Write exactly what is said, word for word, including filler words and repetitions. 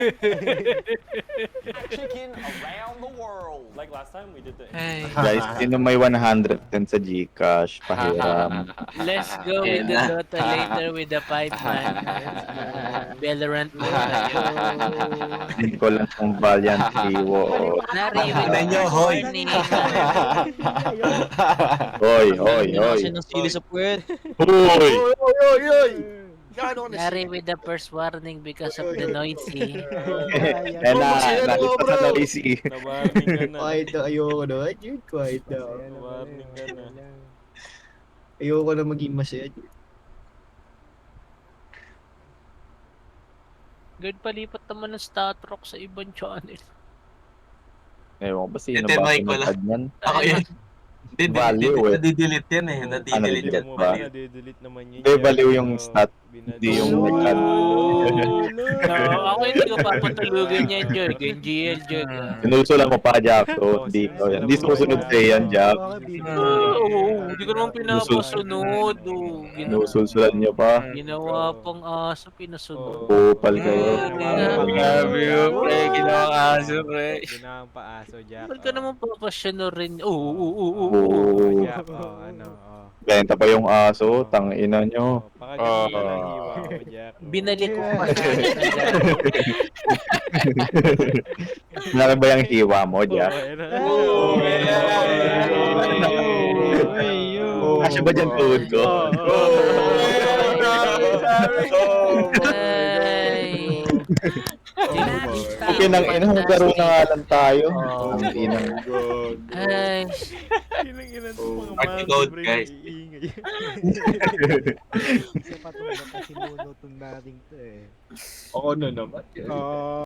Chicken around the world. Like last time, we did the. Ay, Guys, sino may one hundred ten sa Gcash? Pahiram. let's go with the Dota later with the five man. Valorant mode tayo. Hindi ko lang kung Valiant Hero. Nari with the Tingnan nyo, first hoy. warning. Hoy, hoy, hoy. Kasi ng sili sa puwet. Hoy! Oy, oy, oy, oy! Gano'n na Nari with the first warning because of the noisy. Eh na, nakita sa noisy. Na-warning ka na. Quiet na, ayoko na. Dude, quiet na. Na-warning ka na. Ayoko na maging masaya. Good palipat naman ng Statrock sa ibang channel. Ewan ko ba sino Ito, ba Mike, wala. pinatad yan? Ako yan. Value, eh. Nadidelete yan eh. Nadidelete delete yan. mo ba? ba? Nadidelete naman yun. Hindi, baliw yung stat. Hindi yung nag-add. No, ako hindi ko papatulugin yan, Joy. G L, Joy. Sinusulan mo pa, Jack. So, hindi ko yan. Hindi susunod sa'yo yan, Jack. Oo, hindi ko naman pinapasunod. oh. Gina- Sinusulan niyo pa. Ginawa pang aso, pinasunod. Kupal kayo. Grabe yun, pre. Ginawa ka aso, pre. Ginawang pa-aso, Jack. Ba't ka naman papasyono rin? Oo, oo, oo, oo. Oo. Oh, Jack, oh, ano, oh. Benta pa yung aso. Tangina nyo. Oh, pakagaling ka ng hiwa, oh, Jack. oh. Binalik ko pa. Malaki ba yung hiwa mo, Jack? Oh, ayun na. Oh, Oh, Kasya ba dyan tuhod ko? Ay. Okay, nang ina, maglaro na nga lang tayo. Oh. Ang inang. Ay. Inang-ina to mga Party mga code, libre guys. iingay. Kasi patulog na kasi monoton natin to eh. Ako na naman. Oo.